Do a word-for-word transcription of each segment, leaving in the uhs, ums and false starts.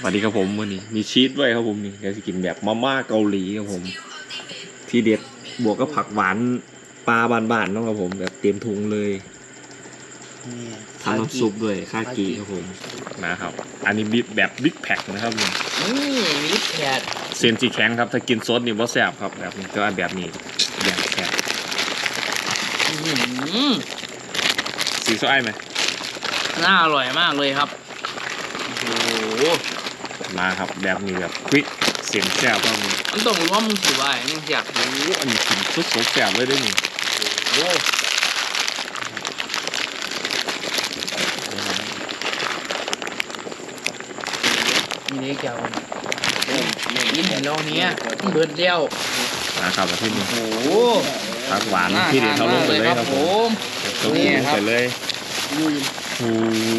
สวัสดีครับผมวันนี้มีชีสด้วยครับผมนี่จะกินแบบมาม่าเกาหลีครับผมที่เด็ดบวกกับผักหวานปลาบานๆนะครับผมแบบเตรียมถุงเลยทำน้ำซุปด้วยคากิครับผมนะครับอันนี้บิ๊กแบบบิ๊กแพ็คนะครับนี่นี่มิตรแคทเซนจีแข็งครับถ้ากินซดนี่ว่าแซ่บครับแบบนี้ก็แบบนี้แบบแซ่บสีส้มไอ้ไหมน่าอร่อยมากเลยครับโอ้โหมาครับแบบนี้แบบควิกเสียงแซ่บก็มีมันต้องรู้ว่ามึงถือว่ามึงอยากรู้โอ้อันนี้กินซุปแซ่บเลยด้วยนี่โอ้มีเล็กยาวกินลองเนี้ยเบิดเดียวนะครับแบบที่นี่โอ้โหผักหวานที่เด็ดเขาลงไปเลยครับผมลงไปเลยโอ้โห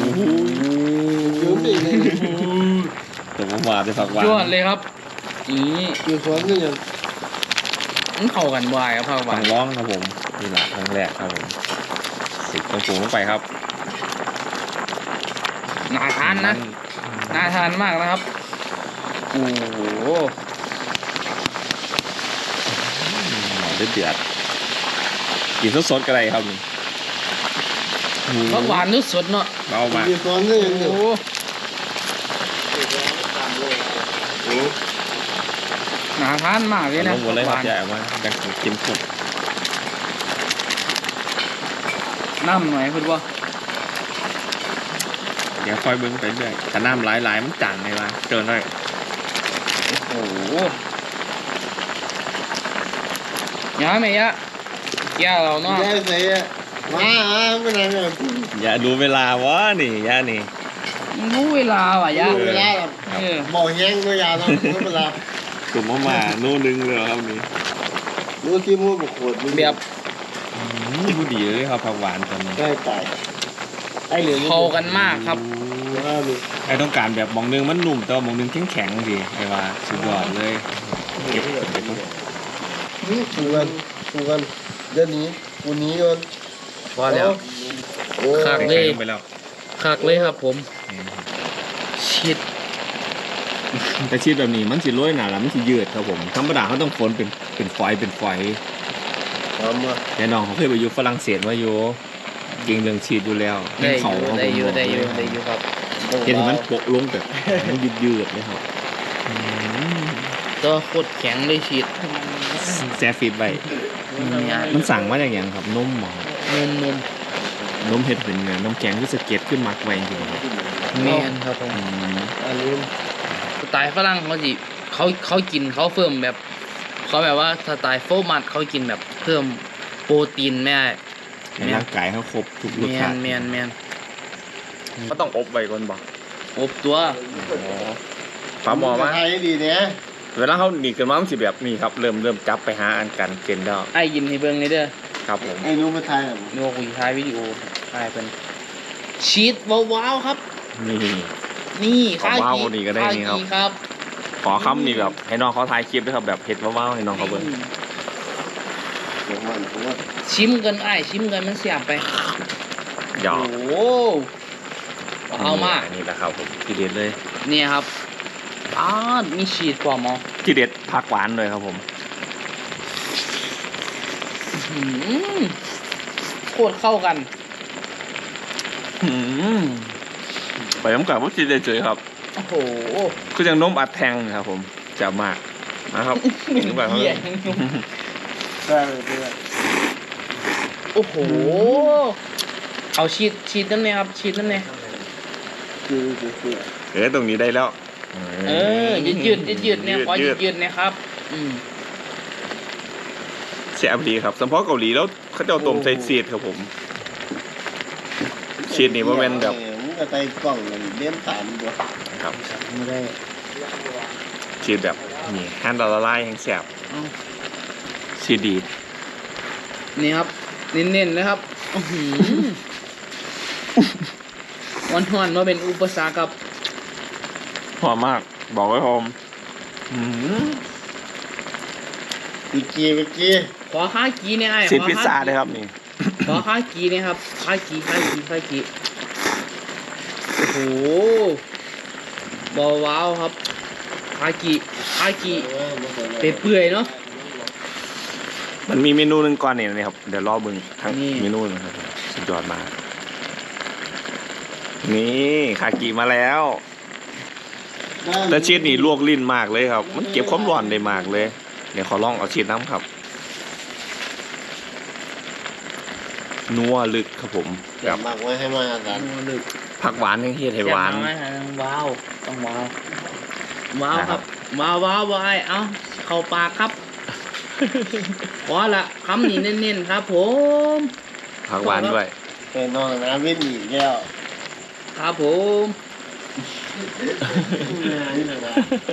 ตัวมันหวานจะผักหวานยอดเลยครับนี่อยู่สวนก็ยังมันเข้ากันบ่อยครับผักหวาต้อน งร้องครับผมนี่แหละครั้งแรกครับผมสิบตรงสูงลงไปครับน่าทานนะน่าทานมากนะครับโอ้โหหอมเดือดกินสดๆก็ได้ครับนี่ผักหวานนึกสดเนาะเบามากอยู่สวนก็ยังโอ้อยู่น่าทานมากเลยนะลงหมดเลยครับผักหวานใหญ่มากดังกินสดน้ำหน่อยคุณว่าเดี๋ยวค่อยเบิ้งไปเรื่อยถ้าน้ำหลายๆมันจังเลยว่ะเกินเลยโอ้โหยาไหมยะแก้วเราเนาะได้ใส่อะมาอ่ะไม่นานเลยอย่าดูเวลาวะนี่ย่านี่รู้เวลาว่ะยะดูเวลาแบบเออบอกแห้งก็ยาเนาะรู้เวลาตุ่มมาโน่นึงเลยครับนี่รู้ที่มูดบุกขวดแบบผู้ดีเลยครับผักหวานตอนนี้ใกล้ตายไอ้เหลือเข้ากันมากครับว่าดูไอ้ต้องการแบบมองนึงมันหนุ่มแต่ว่ามองนึงแข็งแข็งๆดีไอ้ว่าสุดยอดเลยเก็บเก็บดูกันดูกันเดี๋ยวนี้วันนี้ก่อนพอแล้วโอ้คักใส่เลยลงไปแล้วคักเลยครับผมชิดแต่ชีสแบบนี้มันสิโรยหนาแล้วมันสิยืดครับผมธรรมดาเขาต้องฝนเป็นเป็นฝอยเป็นฝอยทำมาแต่น้องเขาเคยไปอยู่ฝรั่งเศสมาอยู่เก่งเรื่องชีสอยู่แล้วได้อเขายู่เขาได้อยู่ผมได้อยู่บอกเลได้อยู่ครับเห็นมันโปะลงแบบมันยืดยืดๆเลยครับอืมตัวโคตรแข็งเลยชิดแซฟฟิตไปมันสั่งมาอย่างอย่างครับนมหมอนมนมนมเห็ดเป็นไงนมแข็งที่สเก็ตขึ้นมักไว้จริงๆครับแมนครับผมอืมอันนี้สไตล์ฝรั่งเขาสิเขาเขากินเขาเพิ่มแบบเขาแบบว่าสไตล์โฟร์มัดเขากินแบบเพิ่มโปรตีนแม่ให้ร่างกายเขาครบทุกรแมสชาน ติแมนแมนก็ต้องอบไว้ก่อนบอกอบตัวปลาหมอมาไทยดีเนี่ยเวลาเขาหนีกันมามันสิแบบนี้ครับเริ่มเริ่มจับไปหาอันกันเกณฑ์แล้วไอ้ยินให้เบิ่งเลยเด้อครับผมไอ้นู้นมาไทยอ่ะโนกุยท้ายวิดีโอถ่ายเป็นชีสว้าวๆครับนี่นี่ขอว้าวกว่านี้ก็ได้นี่ครับากิครับขอคำนี่แบบให้น้องเขาถ่ายคลิปด้วยครับแบบเผ็ดว้าวๆให้น้องเขาเบิ่งผมว่าผมว่าชิมกันไอ้ชิมกันมันเสียบไปหยอโอ้กโหเอามากนี่แหละครับผมที่เด็ดเลยเนี่ยครับอ้ามีชีสปลอมอ๋อที่เด็ดผักหวานเลยครับผมหืมโคตรเข้ากันอืมไปน้ำกับพวกที่เด็ดเฉยครับโอ้โหคือยังนมอัดแทงนะครับผมจะมากนะครับถึงแบบเหี้ยใช่เลยโอ้โห เอาชีสชีสนั่นเนี่ยครับชีสนั่นเนี่ยคือคือคือเอ๊ะตรงนี้ได้แล้วเออยืดยืดยืดยืดเนี่ยขอยืดยืดเนี่ยครับ อืมแซ่บดีครับสำเพาะเกาหลีแล้วเขาจะเอาต้มใส่ชีสครับผมชีสนี่ว่าเป็นแบบมึงก็ใส่กล่องมันเลี้ยงตามตัวนะครับไม่ได้ชีสแบบนี่แฮนด์ละลายแห้งแซ่บเอาชีสดีนี่ครับเน้นๆนะครับอื้อหือวันหอนมาเป็นอุปสรรคครับหอมมากบอกไว้พร้อมอืมวิกี้วิกี้ขอข้ากีเนี่ยไอ้ชีสขอพิซซ่าเลยครับนี่ขอข้ากีเนี่ยครับข้ากีข้ากีข้ากีโอ้โหบอว้าวครับคากิคากิเปื่อยๆเนาะมันมีเมนูหนึ่งก่อนเนี่ยนะครับเดี๋ยวรอเบิ่งทั้งนี่เมนูนะครับสุดยอดมากนี่คากิมาแล้วแต่ชีสนี่ลวกลิ้นมากเลยครับ มันเก็บความร้อนได้มากเลยเดี๋ยวขอลองเอาชีสน้ำครับนัวลึกครับผมอยากมากไว้ให้มากันลึกผักหวานยังเฮ็ดให้หวานแซ่บมกเลยว้าวต้องว้าวว้าวครับว้าวว้าวว้าวเอ้าเข้าปากครับพอละคำนี้เน้นๆครับผมผักหวานด้วยเป็นนอนนะวิ่งหนีแก้วครับผมนี่เลยนะ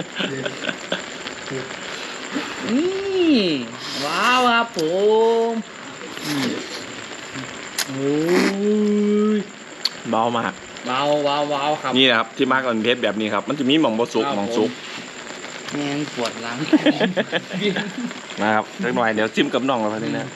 นี่ว้าวครับผมอืมโอ้ยเบามากว้าวว้าวว้าวครับนี่นะครับที่มากก่อนเพชรแบบนี้ครับ มันจะมีหม่องบสุกครับหม่องสุกแม่งปวดหลังนะครับสักหน่อยเดี๋ยวจิ้มกับน่องแล้วพันนี้นะ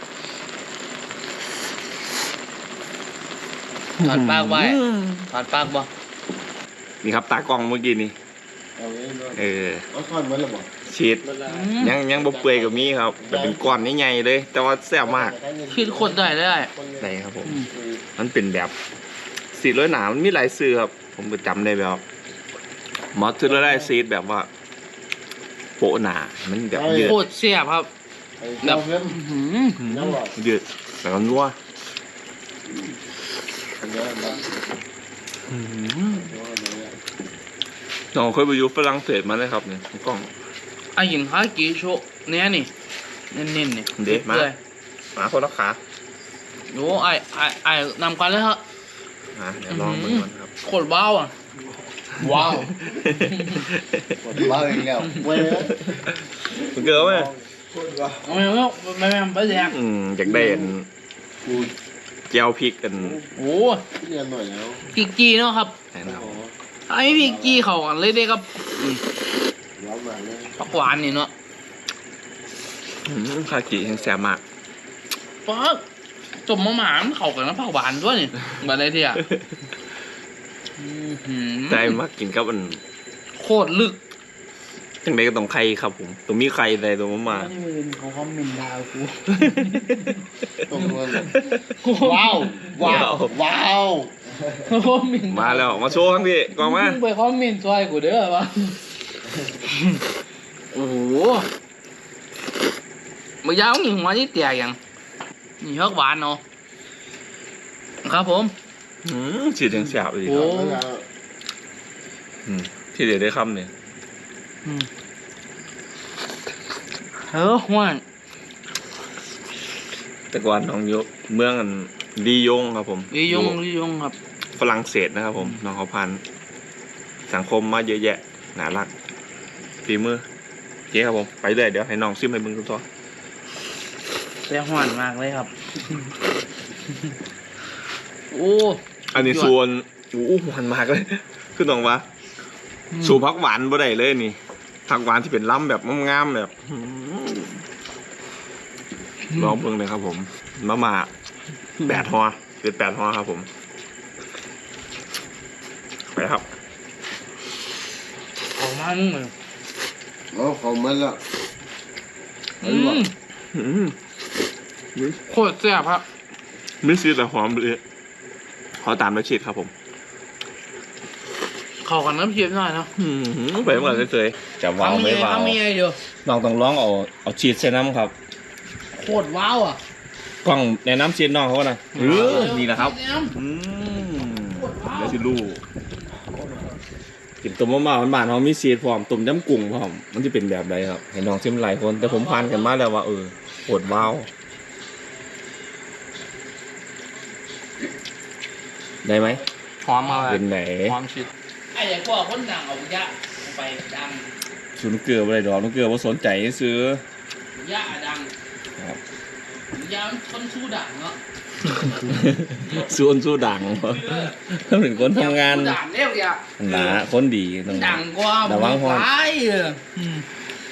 ถอดปากไว้ถอดปากบ่นี่ครับตากล้องเมื่อกี้นี่เอาไว้ด้วยเออเอาก้อนมันหรือเปล่าชีส ยังยังบ่เปื่อยกับมีครับแต่เป็นก้อนใหญ่ๆเลย แต่ว่าแซ่บมากคิดคนได้ได้ไหนครับผม มันเป็นแบบสีร้อยหนามันมีหลายซื้อครับ ผมก็จำได้แบบมอสซาเรลล่าซีสแบบว่า โปะหนา มันแบบยืดโคตรแซ่บครับแบบเพิ่มอื้อหือน้ำหลอดยืดแล้วก็นัวอันนี้นะอื้อหือน้องเคยไปอยู่ฝรั่งเศสมาเลยครับเนี่ยกล้องไอ้หินคากิโชะเนี่ยนี่เน้นๆนี่เด็ดมากเลยมาคนละขาโอ้ไอ้ไอ้ไอ้นำกันเลยครับอ่ะเดี๋ยวลองดูก่อนครับโคตรว้าวอ่ะว้าวหมดบ้าอีกแล้วเว้ยมันเกิดไหมเอาไม่เอาไม่ไม่ไม่แดงอืมอยากได้อันกูแก้วพริกกันโอ้เรียนหน่อยแล้วพริกจีเนาะครับแนะนโอ้ไอ้พริกจีเขากันเลยเด้ครับอืมร้อนมาเลยผักหวานนี่เนาะำอืมคากิแห้งแซ่บมากปักจมมะหมามนเข้ากันกับผักหวานด้วยนี่แบบไรที่อ่ะอื้อหือใจมากกินกับอันโคตรลึกจังไดก็ต้องไข่ครับผมต้องมีไข่ใดตัวมามาไม่ได้เป็นเขาคอมเมนต์ดาวกูตรงนั้นเลยว้าวว้าวว้าวเขาคอมเมนต์มาแล้วมาโชว์ทั้งพี่กองมามึงไปคอมเมนต์ช่วยกูเด้อวะโอ้โหเมื่อยาวนี่หัวนี่เตี่ยยังนี่ฮักหวานเนาะครับผมอืมฉีดแห้งแซ่บเลยโอ้อืมที่เดี๋ยวได้คำเนี่ยอืมเออหวานแต่ก่อนน้องอยกเมืองอันลียงครับผมลียงอลียงครับฝรั่งเศสนะครับผมน้องเขาพันสังคมมาเยอะแยะน่ารักฝีมือโอเคครับผมไปเลยเดี๋ยวให้น้องซิมให้มึงทุกตัวแต่หวานมากเลยครับ โอ้อันนี้ส่วนโอ้หวานมากเลย คือต้องว่าสูผักหวานบ่ได้เลยนี่ผักหวานที่เป็นล้ำแบบงามๆแบบอื้อหือลองเบิ่งเลยครับผมมาม่าแปดฮอเป็นแปดฮอครับผมไปครับออกมามึงเลยโอ้ของมันละอืมอืมโคตรแซ่บครับไม่ซีดแต่หอมเลยขอตามด้วยชีสครับผมเข้ากันน้ำเชียบหน่อยเนาะอืมไปเหมือนเคยๆจะว้าวไม่ว้าวทำยังไงเดียวน้องต้องร้องเอาเอาชีสใส่น้ำครับโคตรว้าวอ่ะกล้องแนะน้ำชีสน้องเขานะเออนี่นะครับ อืมเดี๋ยวสิลูกกินต้มมะม่าหวานๆเขามีซีดพร้อมต้มยำกุ้งพร้อมมันจะเป็นแบบใดครับให้น้องชิมหลายคน แต่ผมพานกันมาแล้วว่าเออโคตรว้าวได้ไหมหอมมาเป็นไหนหอมชิดไอ้เด็กพวกคนดังเอายะไปดังชุนเกลืออะไรดอกน้องเกลือว่าสนใจซื้อยะดังครับยะมันคนสู้ดังเนาะส่วนสู้ดังถ้าเป็นคนทำงานสู้ดังเรียกยะหนาคนดีต้องดังกว่าระวังหอมไปเอออืม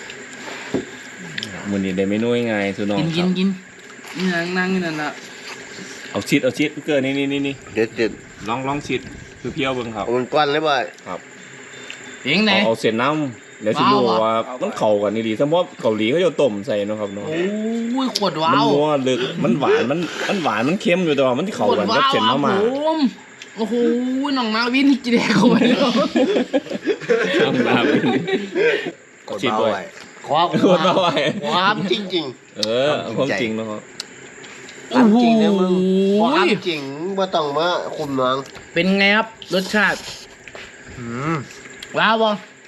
มือนี้ได้เมนูยังไงสุน้องกินคกิรันบกินนี่นั่งนั่งนี่นั่นน่ะเอาชีสเอาชีสเกลือนี่นี่นี่นี่เด็ดเด็ดลองลองชีสคือเพี้ยวเบิ่งครับมันก้อนเลยบ่อยครับเพียงไหนเอาเอาเส้นน้ำเดี๋ยวสิรู้ว้าวว่ามันเข้ากันดีๆสมมติเกาหลีเขาจะต้มใส่เนาะครับเนาะโอ้ยขวดว้ามันวนัวลึกมันหวานมันมันหวานมันเค็มอยู่แต่ว่ามันที่เข้ากันกับเส้นมาม่าผมโอ้โหน้องนาวินจีแดกเข้าไปแล้วทำน้ำกดฉีดเบาด้วยไว้ความโคตรเอาไว้ความจริงเออเอาความจริงเนาะๆความจริงนะมึงพอความจริงว่าต้องมาคุมน้องเป็นไงครับรสชาติอืมว้าวบ่